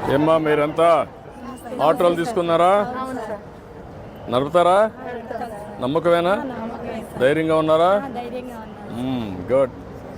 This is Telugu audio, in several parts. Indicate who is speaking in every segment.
Speaker 1: ఏమ్మా మీరంతా ఆటోలు తీసుకున్నారా? నడుపుతారా? నమ్మకమేనా? ధైర్యంగా ఉన్నారా? గుడ్.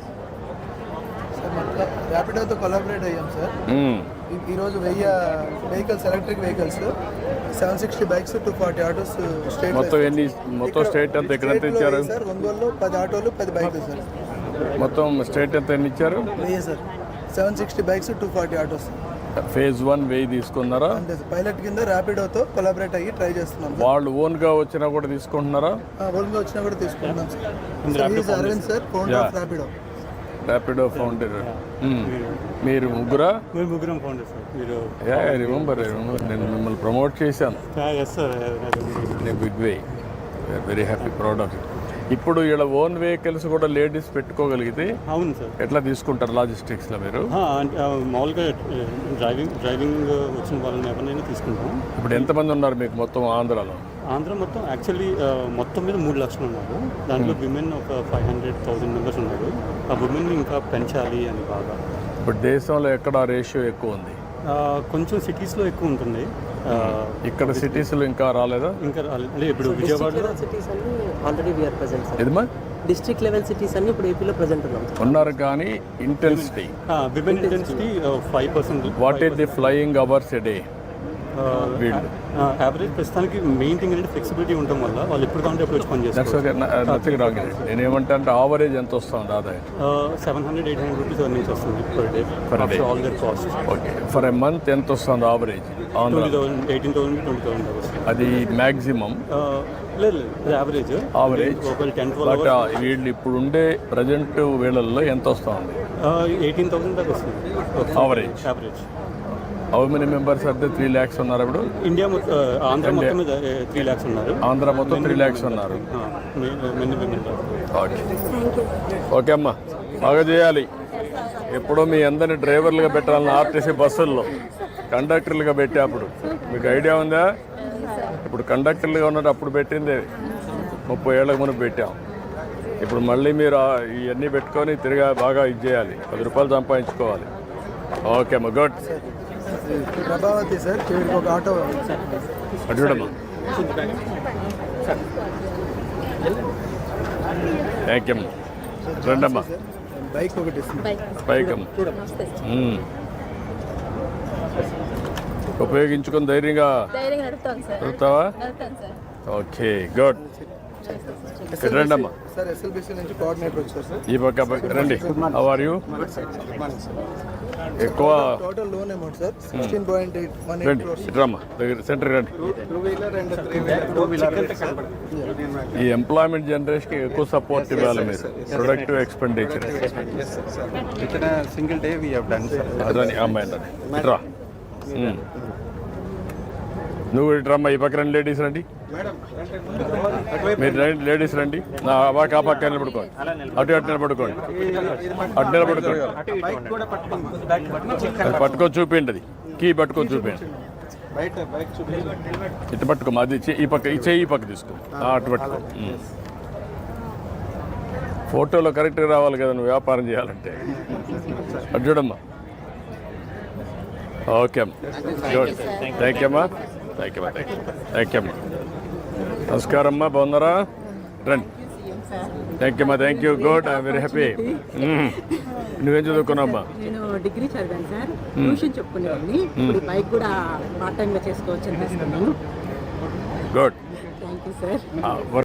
Speaker 2: ర్యాపిడోతో కొలాబరేట్ అయ్యాం సార్. ఈరోజు 1000 vehicles, electric vehicles, 760 bikes, 240 autos state.
Speaker 1: మొత్తం స్టేట్ అంతా ఎక్కడ ఇచ్చారు
Speaker 2: సార్? ఒంగోలులో 10 ఆటోలు 10 బైక్లు సార్.
Speaker 1: మొత్తం స్టేట్ ఎంత ఎన్ని ఇచ్చారు?
Speaker 2: 1000 సార్. 760 bikes, 240 autos.
Speaker 1: ఫేజ్ 1 1000 తీసుకున్నారా?
Speaker 2: అంతే సార్. పైలట్ కింద ర్యాపిడోతో కొలాబరేట్ అయ్యి ట్రై చేస్తున్నాం.
Speaker 1: వాళ్ళు ఓన్గా వచ్చినా కూడా తీసుకుంటున్నారా?
Speaker 2: ఓన్గా వచ్చినా కూడా తీసుకుంటున్నాం sir. Arvind sir, founder of
Speaker 1: Rapido founder. మీరు ముగ్గురా?
Speaker 3: మేము ముగ్గురం ఫౌండర్ సార్. మీరు
Speaker 1: రిమెంబర్ నేను మిమ్మల్ని ప్రమోట్ చేశాను. Big way, very happy, proud of it. ఇప్పుడు ఇలా ఓన్ వెహికల్స్ కూడా లేడీస్ పెట్టుకోగలిగితే
Speaker 3: అవును సార్.
Speaker 1: ఎట్లా తీసుకుంటారు లాజిస్టిక్స్లో మీరు?
Speaker 3: మామూలుగా డ్రైవింగ్ వచ్చిన వాళ్ళని ఎవరినైనా తీసుకుంటాం.
Speaker 1: ఇప్పుడు ఎంతమంది ఉన్నారు మీకు మొత్తం ఆంధ్రాలో?
Speaker 3: ఆంధ్ర మొత్తం యాక్చువల్లీ మొత్తం మీద 3 లక్షలు ఉన్నారు. దాంట్లో విమెన్ ఒక 500,000 మెంబర్స్ ఉన్నారు. ఆ విమెన్ ఇంకా పెంచాలి అని బాగా.
Speaker 1: ఇప్పుడు దేశంలో ఎక్కడ రేషియో ఎక్కువ ఉంది?
Speaker 3: కొంచెం సిటీస్లో ఎక్కువ ఉంటుంది.
Speaker 1: ఇక్కడ సిటీస్లో ఇంకా రాలేదా?
Speaker 3: ఇంకా రాలేదు. ఇప్పుడు విజయవాడలో
Speaker 4: డిస్ట్రిక్ట్ లెవెల్ సిటీస్ అన్ని ఇప్పుడు ఏపీలో ప్రెజెంట్
Speaker 1: ఉన్నారు. కానీ intensity,
Speaker 3: women intensity 5%.
Speaker 1: What is the flying hours a day?
Speaker 3: Average ప్రస్తుతానికి మెయిన్ థింగ్ ఏంటంటే ఫ్లెక్సిబిలిటీ ఉండడం వల్ల వాళ్ళు ఎప్పుడు కావాలంటే ఎప్పుడు వచ్చి పని చేస్తారు.
Speaker 1: నేను ఏమంటా అంటే ఆవరేజ్ ఎంత వస్తుంది ఆదాయం?
Speaker 3: 700-800 రూపీస్ నుంచి వస్తుంది per day all other cost.
Speaker 1: Okay, for a month ఎంత వస్తుంది ఆవరేజ్?
Speaker 3: 18,000-20,000 వస్తుంది.
Speaker 1: అది మ్యాక్సిమం?
Speaker 3: లేదు, యావరేజ్.
Speaker 1: బట్ వీళ్ళు ఇప్పుడు ఉండే ప్రజెంట్ వేళల్లో ఎంత వస్తుంది?
Speaker 3: 18,000 దాకా వస్తుంది
Speaker 1: ఆవరేజ్. హౌ మెనీ మెంబర్స్ అయితే 3 lakhs ఉన్నారు ఇప్పుడు?
Speaker 3: ఇండియా ఆంధ్ర మొత్తం 3 lakhs ఉన్నారు.
Speaker 1: ఆంధ్ర మొత్తం 3 lakhs ఉన్నారు. ఓకే అమ్మా, బాగా చేయాలి. ఎప్పుడో మీ అందరినీ డ్రైవర్లుగా పెట్టాలని ఆర్టీసీ బస్సుల్లో కండక్టర్లుగా పెట్టేప్పుడు మీకు ఐడియా ఉందా? ఇప్పుడు కండక్టర్లుగా ఉన్నట్టు అప్పుడు పెట్టింది 30 ఏళ్ళకు ముందు పెట్టాం. ఇప్పుడు మళ్ళీ మీరు ఇవన్నీ పెట్టుకొని తిరిగా బాగా ఇది చేయాలి, 10 రూపాయలు సంపాదించుకోవాలి. ఓకే అమ్మా, గుడ్.
Speaker 2: ప్రభావతి సార్, ఒక ఆటో
Speaker 1: అడ్డమ్మా. థ్యాంక్ యూ అమ్మా. రండమ్మా.
Speaker 2: బైక్ ఒకటి
Speaker 1: బైక్ అమ్మా. ఉపయోగించుకొని ధైర్యంగా నడుపుతావా? Okay, good. రండమ్మా.
Speaker 2: సార్, ఎస్ఎల్బిసి నుంచి కోఆర్డినేటర్ వచ్చారు సార్.
Speaker 1: ఈ పక్క రండి. How are you? ఎక్కువ
Speaker 2: total loan amount sir 16.818 crores.
Speaker 1: రమ్మా, సెంటర్ రండి. ఈ ఎంప్లాయ్మెంట్ జనరేషన్కి ఎక్కువ సపోర్ట్ ఇవ్వాలి మీరు. Productive expenditure
Speaker 5: single day we have done sir.
Speaker 1: అదని అమ్మాయి ఇట్రా. నువ్వు ఇట్రమ్మా. ఈ పక్క రండి, లేడీస్ రండి. మీరు రండి, లేడీస్ రండి. నా ఆ పక్క నిలబడుకోండి, అటు నిలబడుకోండి, అటు నిలబడుకోండి. పట్టుకొని చూపిండి, అది కీ పట్టుకొని చూపిండి. ఇటు పట్టుకోమా, అది ఈ పక్క, ఈ చెయ్యి ఈ పక్క తీసుకో, అటు పట్టుకో. ఫోటోలో కరెక్ట్గా రావాలి కదా నువ్వు వ్యాపారం చేయాలంటే. అటు చూడమ్మా. ఓకే అమ్మా, గుడ్. థ్యాంక్ యూ అమ్మా. థ్యాంక్ యూ అమ్మా. నమస్కారం అమ్మా, బాగున్నారా? రండి. థ్యాంక్ యూ అమ్మా. Thank you, good. I'm very happy. నువ్వేం చదువుకున్నావమ్మా?
Speaker 4: నేను డిగ్రీ చదివాను సార్. ట్యూషన్ చెప్పుకునేవాడిని. ఇప్పుడు బైక్ కూడా పార్ట్ టైంగా చేసుకోవచ్చు అనిపిస్తున్నాను.
Speaker 1: గుడ్.
Speaker 4: Thank you sir.